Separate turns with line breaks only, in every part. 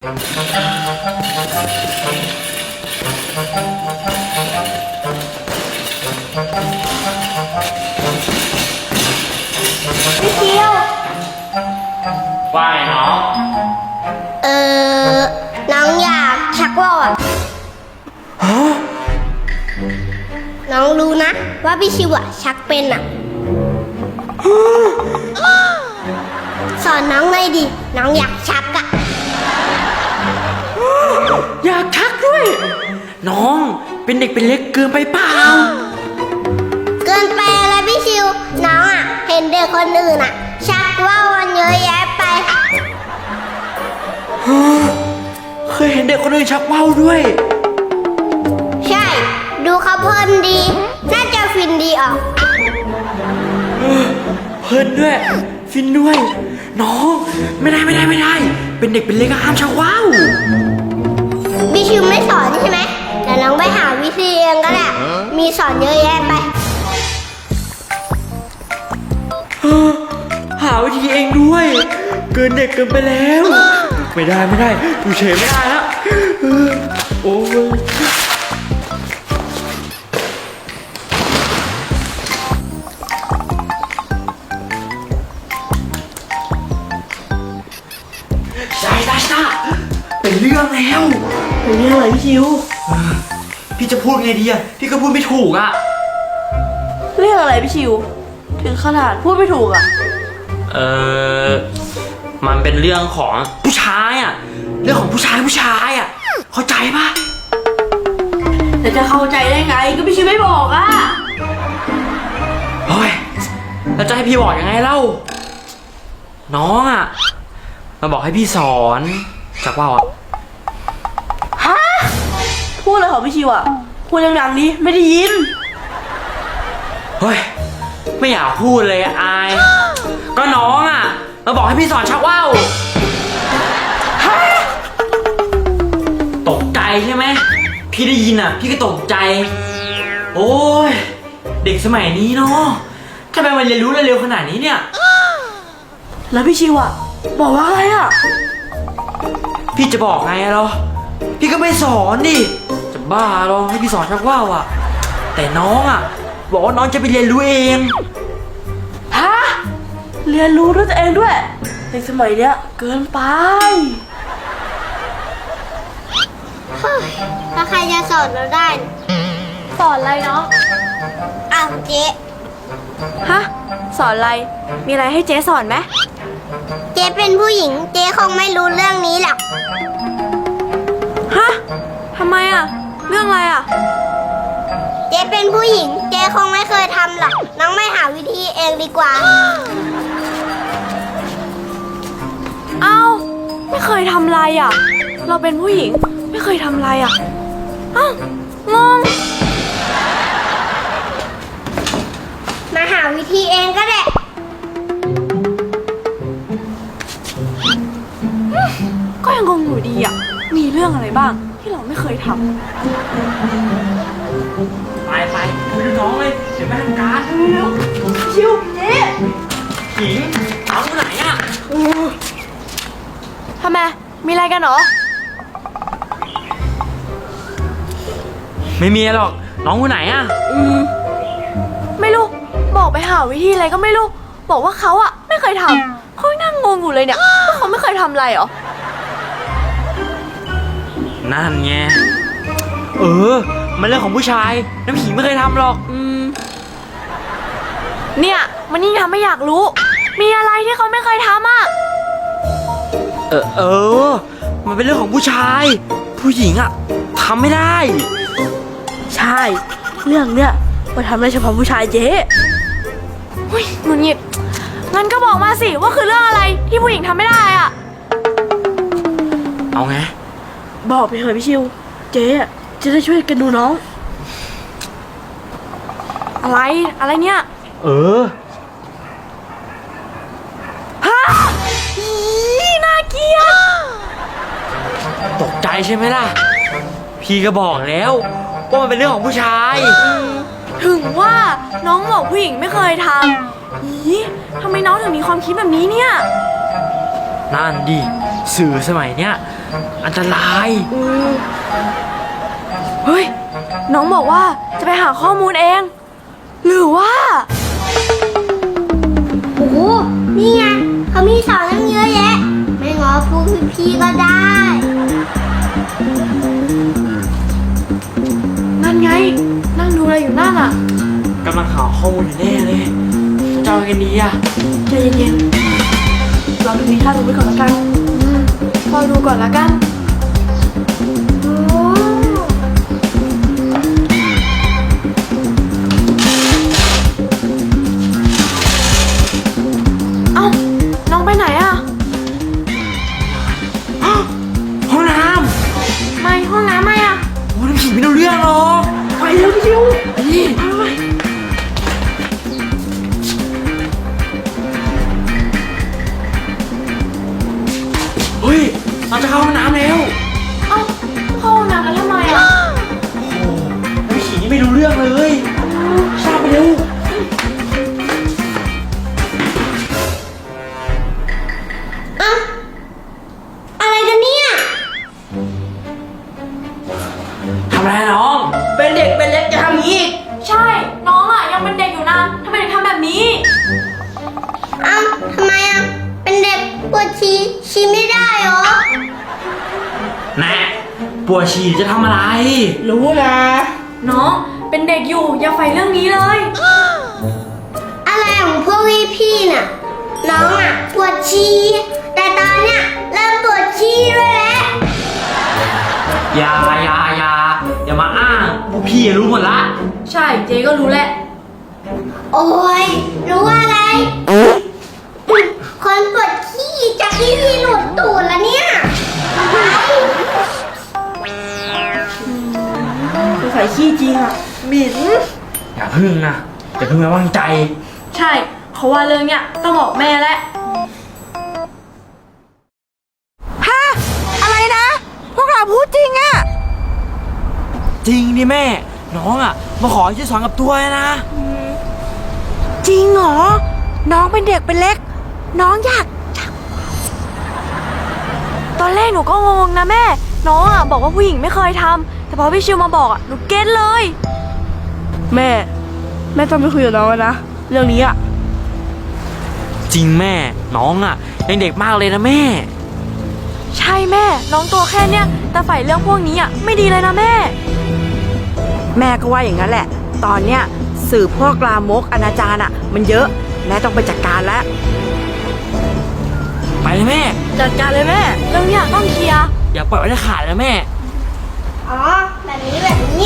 พี่เคียว
ว่าไงน้อง
น้องอยากชักว่าวอะน้องรู้นะว่าพี่ชิวอะชักเป็นอะสอนน้องหน่อยดิน้องอยากชักอะ
อยากชักด้วย น้องเป็นเด็กเป็นเล็กเกินไปเปล่า
เกินไปแล้วพี่ชิวน้องอะเห็นเด็กคนอื่นอะชักว่าวกันเยอะแยะไป
เคยเห็นเด็กคนอื่นชักว่าวด้วย
ใช่ดูเขาเพลินดีน่าจะฟินดีออก
เพลินด้วยฟินด้วย น้องไม่ได้ เป็นเด็กเป็นเล็กก็ห้ามชักว่าว
พี่ชิวไม่สอนใช่ไหมแต่น้องไปหาวิธีเองก็ได้มีสอนเยอะแยะไป
หาวิธีเองด้วย เกินเด็กเกินไปแล้ว ไม่ได้อยู่เฉยไม่ได้แล้วโอ้ยใช่เป็นเรื่องแล้ว
เป็นเรื่องอะไรพี่ชิว
พี่จะพูดไงดีอะพี่ก็พูดไม่ถูกอะ
เรื่องอะไรพี่ชิว ถึงขนาดพูดไม่ถูกอ่ะ
มันเป็นเรื่องของผู้ชายอะเรื่องของผู้ชายอะเข้าใจปะ
แต่จะเข้าใจได้ไงก็พี่ชิวไม่บอกอ่ะ
เฮ้ยแล้วจะให้พี่บอกยังไงเล่าน้องอะมาบอกให้พี่สอนจากว่าวอะ
ฮะ พูดเลยเหรอพี่ชิวอ่ะ พูดดังๆดิไม่ได้ยิน
เฮ้ยไม่อยากพูดเลยอะอาย ก็น้องอะมาบอกให้พี่สอนชักว่าวฮะตกใจใช่ไหมพี่ได้ยินอะพี่ก็ตกใจโอ้ยเด็กสมัยนี้เนาะทำไมมันเรียนรู้เร็วขนาดนี้เนี่ย
แล้วพี่ชิวอ่ะบอกว่าอะไรอ่ะ
พี่จะบอกไงเหรอพี่ก็ไม่สอนดิจะบ้าเหรอให้พี่สอนชักว่าวอะแต่น้องอะบอกว่าน้องจะไปเรียนรู้เอง
ฮะ เรียนรู้ด้วยตัวเองด้วย ในสมัยเนี้ยเกินไป
ถ้าใครจะสอนเราได้
สอนอะไรเนาะ
อ้าวเจ๊
ฮะ สอนอะไร มีอะไรให้เจ๊สอนไหม
เจ๊เป็นผู้หญิงเจ๊คงไม่รู้เรื่องนี้หรอก
ฮะทำไมอ่ะ เรื่องอะไรอ่ะ
เจ๊เป็นผู้หญิงเจ๊คงไม่เคยทำหรอกน้องไม่หาวิธีเองดีกว่า
เอ้า ไม่เคยทำอะไรอ่ะ เราเป็นผู้หญิงไม่เคยทำอะไรอ่ะ เอ้างง
มาหาวิธีเองก็ได้
ก็ยังงงอยู่ดีอ่ะ มีเรื่องอะไรบ้างที่เราไม่เคยทำ
ไปคุยกับน้องเลยเดี๋ยวแม่ทำการ
เร็วชิวเจ๊
หญิงน้องอยู่ไหนอะ
ทำไม มีอะไรกันเหรอ
ไม่มีหรอกน้องอยู่ไหนอะ
ไม่รู้ บอกไปหาวิธีอะไรก็ไม่รู้ บอกว่าเขาอะไม่เคยทำเขานั่งงงอยู่เลยเนี่ยว่าเขาไม่เคยทำอะไรเหรอ
นั่นไงมันเรื่องของผู้ชายน้ำหญิงไม่เคยทำหรอก
เนี่ยมันยิ่งทำให้อยากรู้ มีอะไรที่เขาไม่เคยทำอะ
มันเป็นเรื่องของผู้ชาย ผู้หญิงอะทำไม่ได้
ใช่ เรื่องเนี้ยมาทำได้เฉพาะผู้ชายเจ๊หุ้ยหงุดหงิดงั้นก็บอกมาสิว่าคือเรื่องอะไรที่ผู้หญิงทำไม่ได้อะ
เอาไง
บอกไปเถอะพี่ชิว เจ๊อะจะได้ช่วยกันดูน้อง อะไรเนี่ย ฮะอีน่าเกลียด
ตกใจใช่ไหมล่ะ พี่ก็บอกแล้วว่ามันเป็นเรื่องของผู้ชาย
ถึงว่าน้องบอกผู้หญิงไม่เคยทำอีทำไมน้องถึงมีความคิดแบบนี้เนี่ย
นั่นดิสื่อสมัยเนี้ยอันตราย
เฮ้ย น้องบอกว่าจะไปหาข้อมูลเอง หรือว่า
โอ้โหนี่ไงเขามีสอนตั้งเยอะแยะ ไม่ง้อพวกพี่ๆก็ได้
นั่นไง นั่งดูอะไรอยู่นั่นอ่ะ
กำลังหาข้อมูลอยู่แน่เลยจะเอาไงกันดีอะ
ใจเย็นๆเราดูนิทานดูไปก่อนละกันพอดูก่อนละกัน เอ้า น้องไปไหนอะ
ห้องน้
ไม่ห้องน้ำไม่อะ
ำโอ้ยน้ำผีไม่รู้เรื่องหรอก
ไปเร็วพี่ชิว
ไปดิเฮ้ยเราจะเข้าห้องน้ำแล้ว
เอ้าเข้าห้องน้ำแล้วทำไมอะ
โอ้โหน้ำผีนี่ไม่รู้เรื่องเลยทราบไปเร็ว
เอ้าอะไรกันเนี่ย
ทำอะไรน้อง เป็นเด็กเป็นเล็กจะทำอย่างนี้อีก
ใช่ น้องอะยังเป็นเด็กอยู่นะทำไมถึงทำแบบนี้
เอ้าทำไมอ่ะ เป็นเด็กปวดฉี่ไม่ได้เหรอ
แน่ปวดฉี่จะทำอะไร
รู้นะน้องเป็นเด็กอยู่อย่าใฝ่เรื่องนี้เลย
อะไรของพวกพี่ๆน่ะ น้องอ่ะปวดฉี่แต่ตอนเนี้ยเริ่มปวดฉี่ด้วยแล้ว
อย่ามาอ้างพวกพี่รู้หมดละ
ใช่เจ๊ก็รู้แหละ
โอ้ยรู้อะไร คนปวดขี้จากที่พี่หลุดตูดแล้วเนี่ย
ใส่ขี้จริงอ่ะหมิ่น
อย่าพึ่งนะอย่าพึ่งไว้วางใจ
ใช่เขาว่าเรื่องเนี้ยต้องบอกแม่แล้ว
ฮะอะไรนะ พวกเราพูดจริงอะ
จริงดิแม่ น้องอ่ะมาขอช่วยสอนกับตัวนะ
จริงเหรอ น้องเป็นเด็กเป็นเล็ก น้องอยาก
ตอนแรกหนูก็งงนะแม่ น้องอ่ะบอกว่าผู้หญิงไม่เคยทำแต่พอพี่ชิวมาบอกอ่ะหนูเก็ตเลย แม่ต้องไปคุยกับน้องนะ เรื่องนี้อ่ะ
จริงแม่ น้องอ่ะยังเด็กมากเลยนะแม่
ใช่แม่ น้องตัวแค่เนี้ยแต่ใฝ่เรื่องพวกนี้อ่ะไม่ดีเลยนะแม่
แม่ก็ว่าอย่างนั้นแหละ ตอนเนี้ยสื่อพวกลามกอนาจารอะมันเยอะ แม่ต้องไปจัดการแล้ว
ไปเลยแม่
จัดการเลยแม่ เรื่องเนี้ยต้องเคลียร์
อย่าปล่อยไว้จะขาดนะแม่
อ๋อ แบบนี้แบบนี้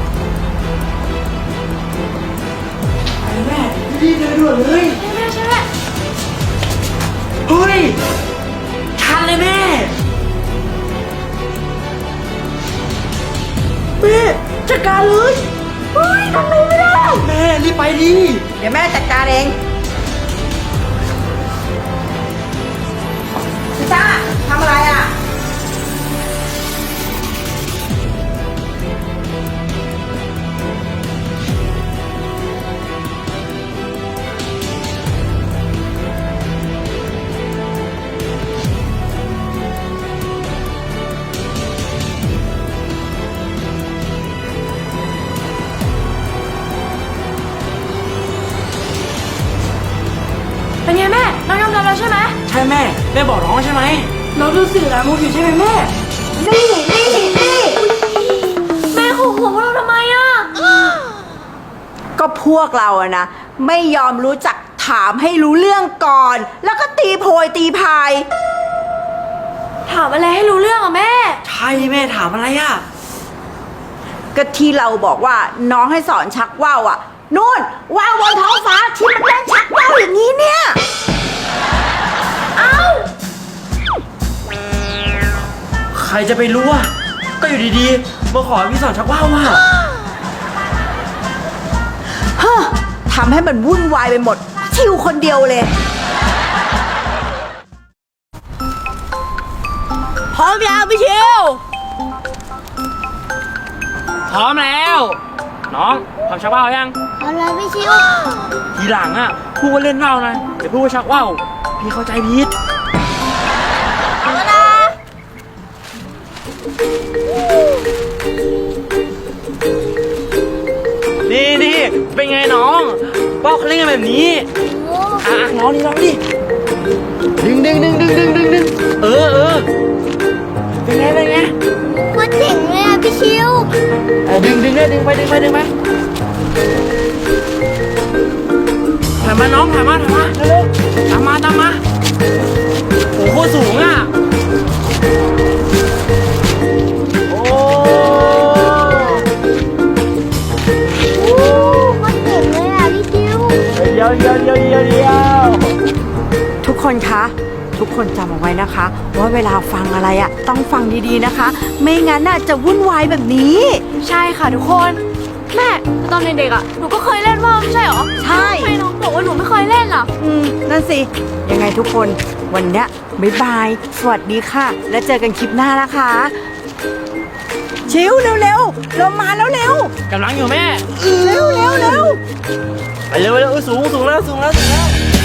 ไปแม่รีบเดินด่วนเลย
ใช่แม่ใช่แม่
เฮ้ยชันเลยแม่
แม่จัดการเลยเฮ้ยทำไมไม่ได้
แม่รีบไปดิ
เดี๋ยวแม่จัดการเองพี่จ้าทำอะไรอ่ะ
เป็นไงแม่ น้องยอมรับแล้วใช่ไหม
ใช่แม่แม่บอกน้องใช่ไหม
น้องดูสื่อลามกอยู่ใช่ไหมแม่
นี่
แม่ขู่หัวพวกเราทำไมอ่ะ
ก็พวกเราอะนะ ไม่ยอมรู้จักถามให้รู้เรื่องก่อน แล้วก็ตีโพยตีพาย
ถามอะไรให้รู้เรื่องอ่ะแม่
ใช่แม่ถามอะไรอ่ะ
ก็ที่เราบอกว่าน้องให้สอนชักว่าวอะนู่นว่าวบนท้องฟ้าที่มันเล่นชักว่าวอย่างนี้เนี่ย
ใครจะไปรู้อ่ะก็อยู่ดีๆมาขอพี่สอนชักว่าวว่ะ
เฮ้อทำให้มันวุ่นวายไปหมด ชิวคนเดียวเลย
พร้อมยังพี่ชิว
พร้อมแล้ว น้องทำชักว่าวยัง
เอาเลยพี่ชิว
ทีหลังอ่ะพูดว่าเล่นว่าวนะอย่าพูดว่าชักว่าวพี่เข้าใจผิด
เอาละ
นี่เป็นไงน้องป้าเขาเล่นกันแบบนี้น้องดิดึงเออเป็นไง
โคตรเจ๋งเลยอ่ะพี่ชิว
ดึงไปถ่ายมาน้องถ่ายมาเร็วตามมาโอ้โหสูงอ่ะโอ้
โคตรเจ๋งเลยอ่ะพี่ชิว
เดี๋ยว
ทุกคนคะ ทุกคนจำเอาไว้นะคะ ว่าเวลาฟังอะไรอะต้องฟังดีๆนะคะ ไม่งั้นน่ะจะวุ่นวายแบบนี้
ใช่ค่ะทุกคนแม่แต่ตอนเด็กๆอ่ะหนูก็เคยเล่นว่าวไม่ใช่เหรอ
ใช่
ทำไมน้องบอกว่าหนูไม่เคยเล่นล่ะ
นั่นสิ ยังไงทุกคนวันเนี้ยบ๊ายบาย สวัสดีค่ะ แล้วเจอกันคลิปหน้านะคะ ชิวเร็วๆเรามาแล้วเร็ว
กำลังอยู่แม่
เร็ว
ไปเร็วสูงแล้ว